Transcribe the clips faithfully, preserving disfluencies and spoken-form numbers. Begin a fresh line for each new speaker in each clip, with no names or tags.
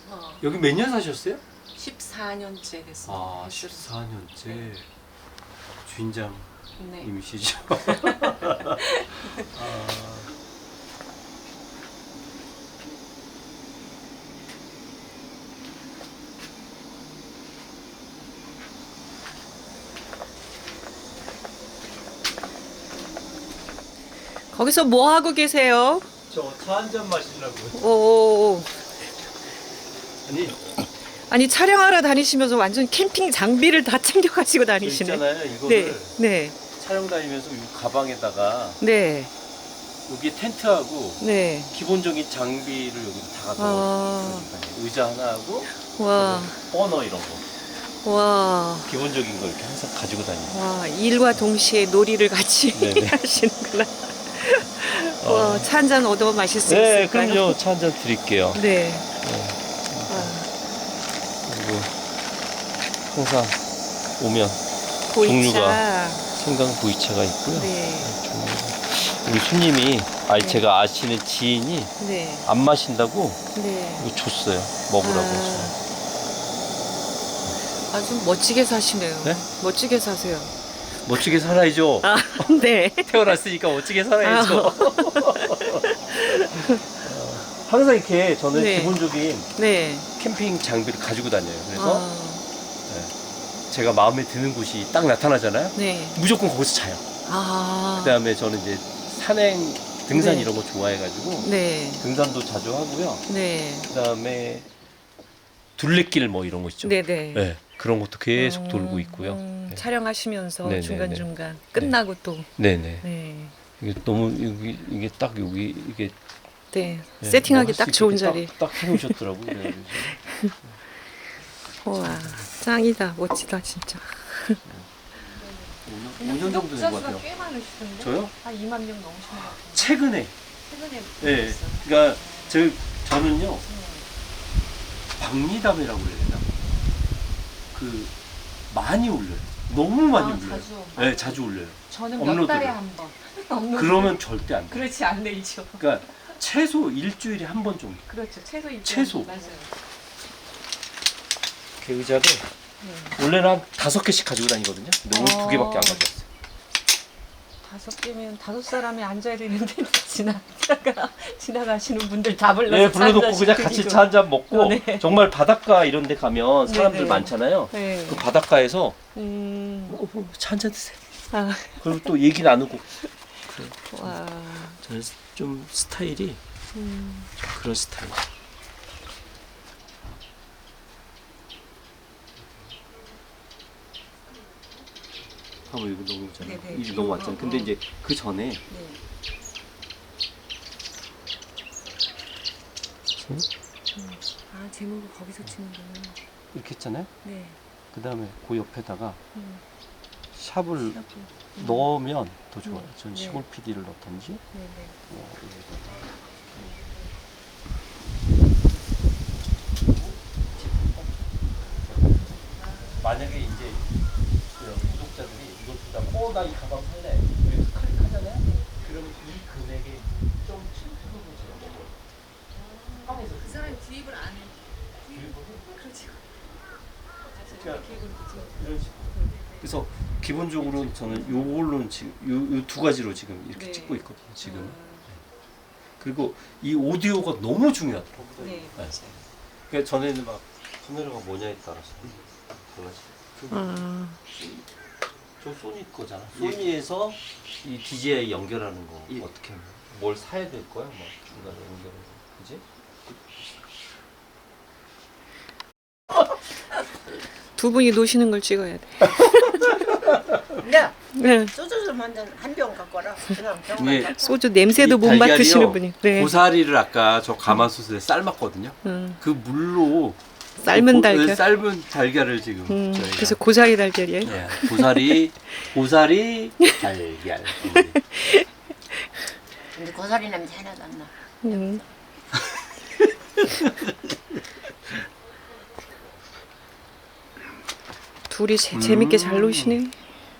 어,
여기 몇 년 사셨어요?
십사 년째 됐습니다.
아, 십사 년째 주인장님이시죠?
네.
아,
거기서 뭐 하고 계세요?
저 차 한 잔 마시려고요.
오,
아니,
아니 촬영하러 다니시면서 완전 캠핑 장비를 다 챙겨 가지고
저
다니시네.
있잖아요. 이거를
네, 네,
촬영 다니면서 이 가방에다가
네,
여기 텐트하고
네.
기본적인 장비를 여기다 다
아.
넣어요. 의자 하나 하고
와,
버너 이런 거
와,
기본적인 거 이렇게 항상 가지고 다니고.
와, 일과 동시에 놀이를 같이
네네.
하시는구나. 와, 차 한 잔 얻어 마실 수
네,
있을까요?
그럼요. 차 한 잔 드릴게요.
네.
그리고 항상 오면
보이차.
종류가 생강 보이차가 있고요.
네,
종류가. 우리 손님이 아니
네.
제가 아시는 지인이
네,
안 마신다고
네.
이거 줬어요. 먹으라고.
아. 아주 멋지게 사시네요.
네?
멋지게 사세요.
멋지게 살아야죠.
아, 네.
태어났으니까 멋지게 살아야죠.
아.
항상 이렇게 저는
네.
기본적인
네.
캠핑 장비를 가지고 다녀요. 그래서
아,
제가 마음에 드는 곳이 딱 나타나잖아요.
네.
무조건 거기서 자요.
아.
그다음에 저는 이제 산행, 등산
네.
이런 거 좋아해가지고
네.
등산도 자주 하고요.
네.
그다음에 둘레길 뭐 이런 거 있죠.
네네.
네, 그런 것도 계속
음,
돌고 있고요.
음,
네.
촬영하시면서
네네네.
중간중간 끝나고 또.
네네.
네.
이게 너무 여기 이게 딱 여기 이게
네.
네,
세팅하기
뭐할수
딱 좋은
있게
자리.
딱, 딱 해놓으셨더라고요. 그래가지고.
와, 짱이다. 멋지다, 진짜.
오 년 정도 된 것 같아요.
꽤 많으시던데?
저요?
한 이만 명 넘으신 것 같아요.
최근에.
최근에
네.
보셨어요.
그러니까 저 저는요 박리담이라고 해야 되나? 그 많이 올려요. 너무 많이
아,
올려요.
자주.
네, 자주 올려요.
저는 몇
업로드를.
달에 한 번. 업로드.
그러면 절대 안 돼.
그렇지 안 되죠.
그러니까 최소 일주일에 한 번 정도.
그렇죠. 최소 일주일.
최소.
맞아요.
그 의자를
네.
원래는 한 다섯 개씩 가지고 다니거든요. 근데 오늘
어.
두 개밖에 안 가져왔어요.
다섯 개면 다섯 사람이 앉아야 되는데 지나가 지나가시는 분들 다 불러서
네, 불러놓고
차
그냥
한잔씩
같이
드리고.
차 한 잔 먹고
네.
정말 바닷가 이런 데 가면 사람들
네네.
많잖아요.
네.
그 바닷가에서
음.
차 한 잔 드세요.
아,
그리고 또 얘기 나누고.
와.
저는 좀 스타일이
음.
좀 그런 스타일. 봐봐 이거 넘어왔잖아요.
네네.
이게 넘어왔잖아요.
어,
근데
어.
이제 그 전에
네. 아 제목을 거기서 치는구나.
이렇게 했잖아요.
네.
그 다음에 그 옆에다가
음.
샵을
음.
넣으면 더 좋아요.
음.
전
네.
시골 피디를 넣던지.
네네.
뭐 여기다가. 만약에 이제 그 구독자들이 이거 보다 어, 나 이 가방 살래. 여기서 클릭하잖아요. 그러면 이 금액에 좀 칠 퍼센트 제가 먹어요. 한에서
그 사람이 드립을 안 해. 그렇지.
그러니까 이런 식으로. 그래서 기본적으로 저는 요걸로는 지금 요 두 가지로 지금 이렇게
네.
찍고 있거든요. 지금.
아,
그리고 이 오디오가 너무 중요하더라고요.
네. 맞아요.
그러니까 전에는 막 카메라가 뭐냐에 따라서 달라지.
아,
저 소니 거잖아. 소니에서 이 디제이 연결하는 거 어떻게 하면 뭘 사야 될 거야? 막 중간에 연결해서 그지?
두 분이 노시는 걸 찍어야 돼.
야,
네.
소주 좀 한 잔 한 병 갖고 와라. 그냥 병만
예.
갖고.
소주 냄새도
이
못
달걀이요,
맡으시는 분이. 네.
고사리를 아까 저 가마솥에 삶았거든요.
음.
그 물로
삶은
고-
달걀.
삶은 달걀을 지금
음,
저희가
그래서 고사리 달걀이에요.
네, 고사리 고사리 달걀.
근데 고사리 냄새 하나도 안 나.
음. 둘이 재,
음.
재밌게 잘 노시네.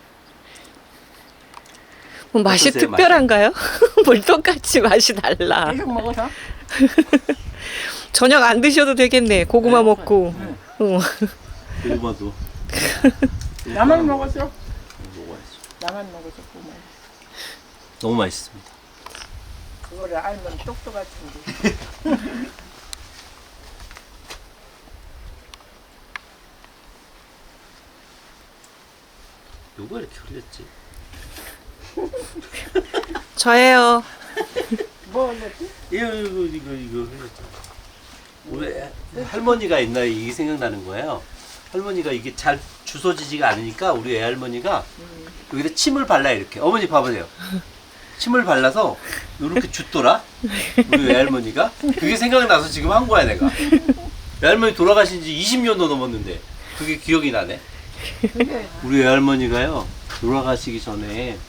뭐 맛이
어떠세요,
특별한가요? 뭘 똑같이 맛이 달라.
계속 먹어서.
저녁 안 드셔도 되겠네. 고구마 먹고. 어.
고구마도
나만 먹었어.
먹어야지.
나만 먹었어. 고구마.
너무 맛있습니다.
그거를 알면 똑똑할 텐데.
누가 이렇게 흘렸지?
저예요.
뭐 먹지?
이거 이거 이거 이거 흘렸잖아. 우리 할머니가 옛날에 이게 생각나는 거예요. 할머니가 이게 잘 주워지지가 않으니까 우리 애할머니가 여기다 침을 발라 이렇게. 어머니 봐보세요. 침을 발라서 이렇게 jut더라. 우리 외할머니가 그게 생각나서 지금 한 거야 내가. 외할머니 돌아가신 지 이십 년도 넘었는데 그게 기억이 나네. 우리 외할머니가요 돌아가시기 전에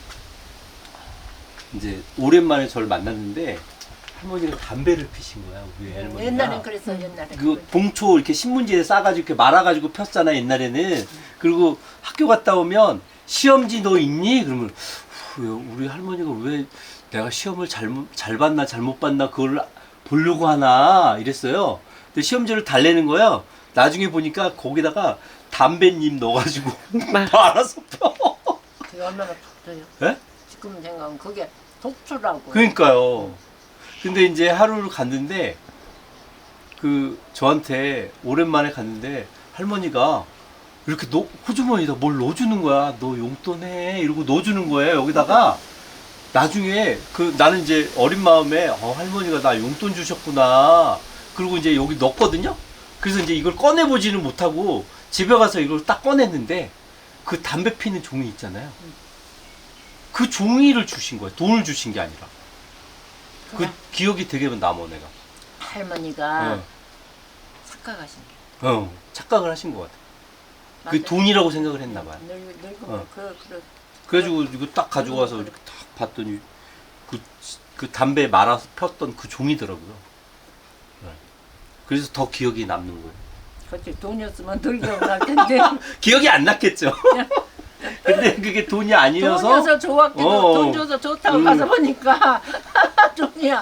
이제 오랜만에 저를 만났는데 할머니가 담배를 피신 거야 우리 외할머니가.
옛날엔 그랬어. 옛날에.
그 봉초 이렇게 신문지에 싸가지고 이렇게 말아가지고 폈잖아 옛날에는. 그리고 학교 갔다 오면 시험지 너 있니? 그러면 후, 우리 할머니가 왜 내가 시험을 잘못 잘 봤나 잘못 봤나 그걸 보려고 하나 이랬어요. 근데 시험지를 달래는 거야. 나중에 보니까 거기다가 담배잎 넣어가지고 말아서 펴.
그게 얼마나 독해요.
예?
지금 생각하면 그게 독주라고.
그러니까요. 근데 이제 하루를 갔는데 그 저한테 오랜만에 갔는데 할머니가 이렇게 넣, 호주머니에다 뭘 넣어주는 거야. 너 용돈 해. 이러고 넣어주는 거예요. 여기다가 나중에 그 나는 이제 어린 마음에 어, 할머니가 나 용돈 주셨구나. 그리고 이제 여기 넣었거든요. 그래서 이제 이걸 꺼내보지는 못하고 집에 가서 이걸 딱 꺼냈는데 그 담배 피는 종이 있잖아요. 그 종이를 주신 거예요. 돈을 주신 게 아니라. 그
그래.
기억이 되게 남아 내가.
할머니가
네.
착각하신 게.
어, 착각을 하신 것 같아. 그
맞아요.
돈이라고 생각을 했나 봐요.
늙, 늙으면
어.
그, 그,
그래가지고 이거 딱 가지고 와서 이렇게 딱 봤더니 그, 그 담배 말아서 폈던 그 종이더라고요. 네. 그래서 더 기억이 남는 거예요.
그렇지. 돈이었으면 덜 기억날 텐데.
기억이 안 났겠죠. 근데 그게 돈이 아니어서
돈 줘서 좋았기도
어.
돈 줘서 좋다고
음.
가서 보니까 돈이야.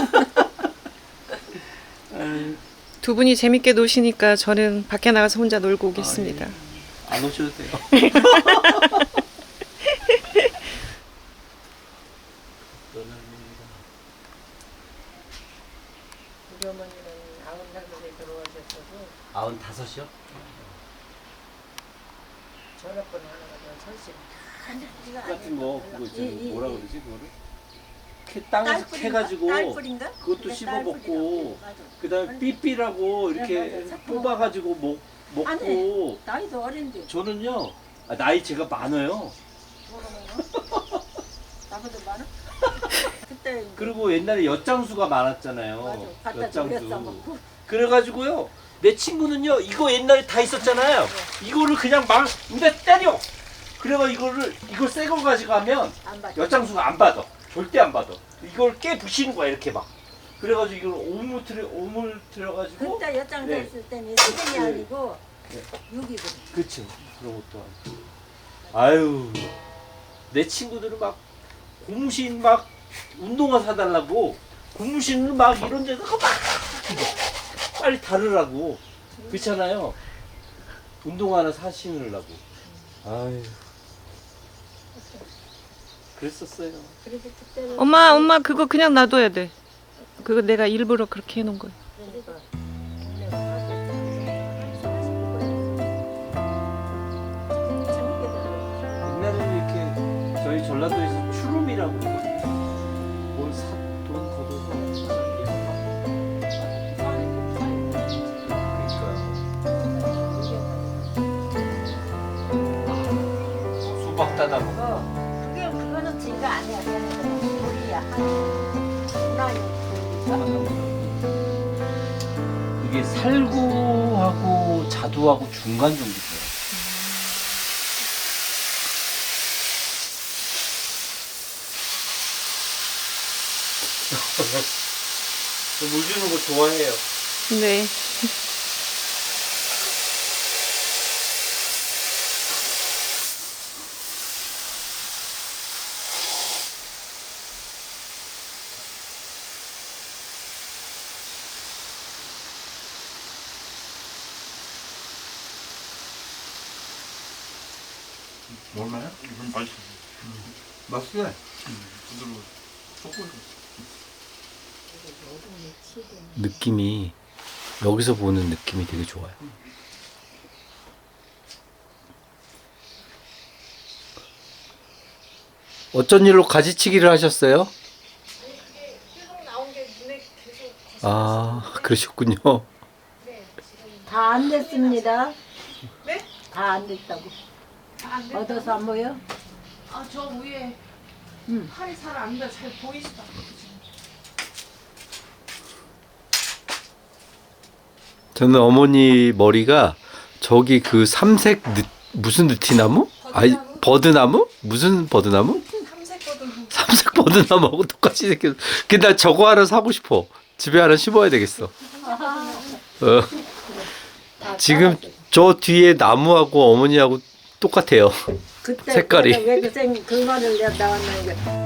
두 분이 재밌게 노시니까 저는 밖에 나가서 혼자 놀고 오겠습니다.
안 오셔도 돼요.
우리 어머니는 아흔 살에 들어가셨어도
아흔 다섯이요?
전화번호 하나가 설신.
같은 거 그거 있잖아.
이, 이,
뭐라
이.
그러지 그거를? 캐, 땅에서 캐가지고
딸뿌린가?
그것도
그래,
씹어
딸뿌리라고.
먹고
맞아.
그다음에 삐삐라고 이렇게
맞아, 맞아.
뽑아가지고 먹, 먹고
아니, 나이도 어린데.
저는요 아, 나이 제가 많아요.
나보다 많아? 그때
그리고 옛날에 엿장수가 많았잖아요.
맞아. 갖다 주고
엿장수.
먹고.
그래가지고요 내 친구는요 이거 옛날에 다 있었잖아요. 이거를 그냥 막 입에 때려. 그래가 이거를 이걸 새 거 가지고 가면
안 받아.
엿장수가 안 받아. 절대 안 받아. 이걸 깨 부시는 거야 이렇게 막. 그래가지고 이걸 오물트려 오물트려가지고.
그때 여장
네.
됐을 때는 세금이
네.
아니고
네.
육이거든.
그쵸. 그런 것도 아니고. 아유 내 친구들은 막 고무신 막 운동화 사달라고 고무신을 막 이런 데다가 막 빨리 다르라고. 그렇잖아요. 운동화 하나 사 신으려고. 아유 그랬었어요.
그래서 그때는
엄마, 엄마 그거 그냥 놔둬야 돼. 그거 내가 일부러 그렇게 해놓은 거야.
그러니까
옛날에는 이렇게 저희 전라도에서 추룸이라고 뭘 사, 돈 걷어서 그러니까요. 수박 따다 먹고
어, 그게 그거는 지가 아니야. 그냥 우리야. 문화유.
이게 살구하고 자두하고 중간 정도 돼요. 물 주는 거 좋아해요.
네.
얼마야? 이건 맛있어. 맛있어. 부드러워. 초콜릿.
느낌이 여기서 보는 느낌이 되게 좋아요. 어쩐 일로 가지치기를 하셨어요? 아, 그러셨군요.
다 안 됐습니다.
네?
다 안 됐다고.
안 됐다고?
얻어서 안 보여?
아, 저 위에
응.
팔이 잘 안 돼. 잘 보이지도 않고 지금.
저는 어머니 머리가 저기 그 삼색 느, 무슨 느티나무? 아이, 버드나무? 무슨 버드나무?
삼색거든.
삼색 버드나무하고 똑같이 생겼어. 근데 나 저거 하나 사고 싶어. 집에 하나 심어야 되겠어. 어. 지금 저 뒤에 나무하고 어머니하고 똑같아요.
그때
색깔이.
왜그 생, 그 말을 내가 나왔는 게